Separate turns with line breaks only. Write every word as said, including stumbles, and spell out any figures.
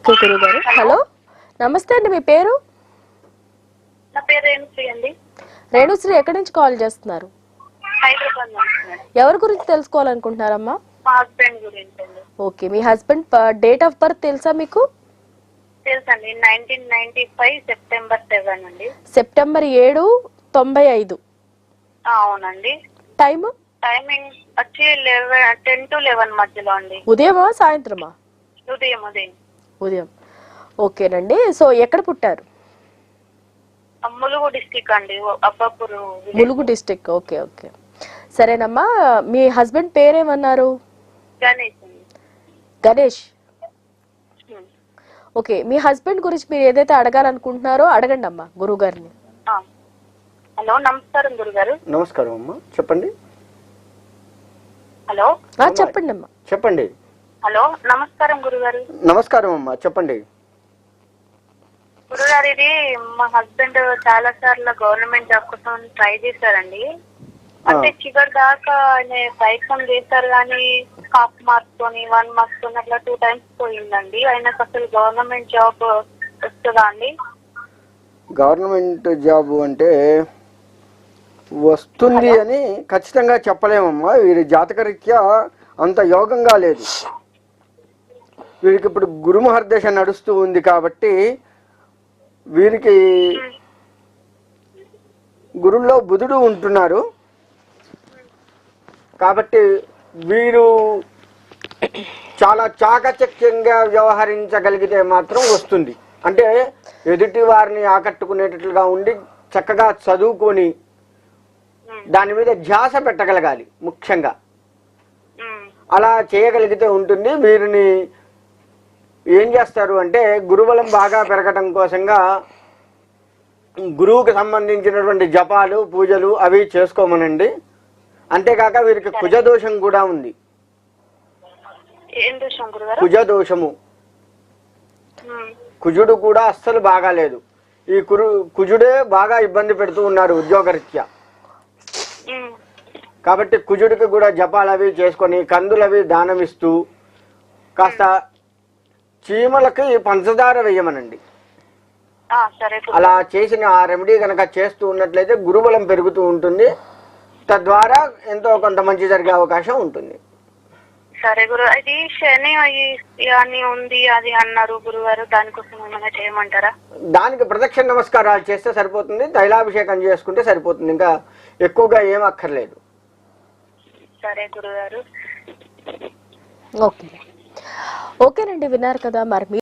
Okay గురుగారు. Hello నమస్తే అండి, మీ పేరు?
నా పేరు రేణుశ్రీ అండి.
రేణుశ్రీ, ఎక్కడి నుంచి కాల్ చేస్తున్నారు?
హైదరాబాద్ నుంచి.
ఎవరి గురించి తెలుసుకోవాలనుకుంటున్నారమ్మా?
మా హస్బెండ్ గురించి అండి.
ఓకే, మీ హస్బెండ్ డేట్ ఆఫ్ బర్త్ తెలుసా మీకు?
తెలుసండి, nineteen ninety five September seven అండి.
సెప్టెంబర్ ఏడు తొంభై ఐదు.
అవునండి.
టైమ్
టైమింగ్ వచ్చి లెవెన్ టెన్ టు లెవెన్ మధ్యలో అండి.
ఉదయమా సాయంత్రమా?
ఉదయం ఉదయం
ఉదయం. ఓకేనండి. సో ఎక్కడ పుట్టారు?
ములుగు డిస్టిక్ అండి, Abbapur.
Mulugu district. Okay okay సరేనమ్మా. మీ హస్బెండ్ పేరేమన్నారు?
గణేష్ అండి.
గణేష్. ఓకే, మీ హస్బెండ్ గురించి మీరు ఏదైతే అడగాలనుకుంటున్నారో అడగండి అమ్మా గురువు గారిని.
హలో, నమస్కారం గురుగారు.
నమస్కారం అమ్మా, చెప్పండి.
హలో
చెప్పండి అమ్మా.
చెప్పండి.
హలో, నమస్కారం గురుగారు.
నమస్కారం అమ్మా, చెప్పండి.
గురుగారు, ఇది మా హస్బెండ్ చాలా సార్లు గవర్నమెంట్ జాబ్ కోసం ట్రై చేశారండి. అంటే చివరి దాకా ఆయన ప్రయత్నం చేశారు కానీ హాఫ్ మార్క్స్ తోని వన్ మార్క్స్ తోని అట్లా టూ టైమ్స్ పోయిందండి. ఆయనకు అసలు గవర్నమెంట్ జాబ్ వస్తుందా అండి?
గవర్నమెంట్ జాబ్ అంటే వస్తుంది అని ఖచ్చితంగా చెప్పలేమమ్మా. వీరి జాతకరీత్యా అంత యోగంగా లేదు. వీరికి ఇప్పుడు గురుమహర్దశ నడుస్తూ ఉంది కాబట్టి వీరికి గురుల్లో బుధుడు ఉంటున్నారు కాబట్టి వీరు చాలా చాకచక్యంగా వ్యవహరించగలిగితే మాత్రం వస్తుంది. అంటే ఎదుటి వారిని ఆకట్టుకునేటట్లుగా ఉండి చక్కగా చదువుకొని దాని మీద ధ్యాస పెట్టగలగాలి ముఖ్యంగా. అలా చేయగలిగితే ఉంటుంది. వీరిని ఏం చేస్తారు అంటే గురుబలం బాగా పెరగటం కోసంగా గురువుకి సంబంధించినటువంటి జపాలు పూజలు అవి చేసుకోమనండి. అంతేకాక వీరికి కుజదోషం కూడా ఉంది. కుజదోషము, కుజుడు కూడా అస్సలు బాగాలేదు. ఈ కురు కుజుడే బాగా ఇబ్బంది పెడుతూ ఉన్నారు ఉద్యోగరీత్యా. కాబట్టి కుజుడికి కూడా జపాలు అవి చేసుకొని కందులవి దానమిస్తూ కాస్త చీమలకి పంచదార వేయమనండి. అలా చేసిన ఆ రెమెడీ కనుక చేస్తూ ఉన్నట్లయితే గురుబలం పెరుగుతూ ఉంటుంది. తద్వారా ఎంతో కొంత మంచి జరిగే అవకాశం ఉంటుంది.
సరే గురు, అది శని అని ఉంది అది అన్నారు గురుగారు, దానికోసం ఏమైనా చేయమంటారా?
దానికి ప్రదక్షిణ నమస్కారాలు చేస్తే సరిపోతుంది. తైలాభిషేకం చేసుకుంటే సరిపోతుంది. ఇంకా ఎక్కువగా ఏం అక్కర్లేదు.
సరే గురుగారు.
ఓకే ఓకేనండి, విన్నారు కదా మరి.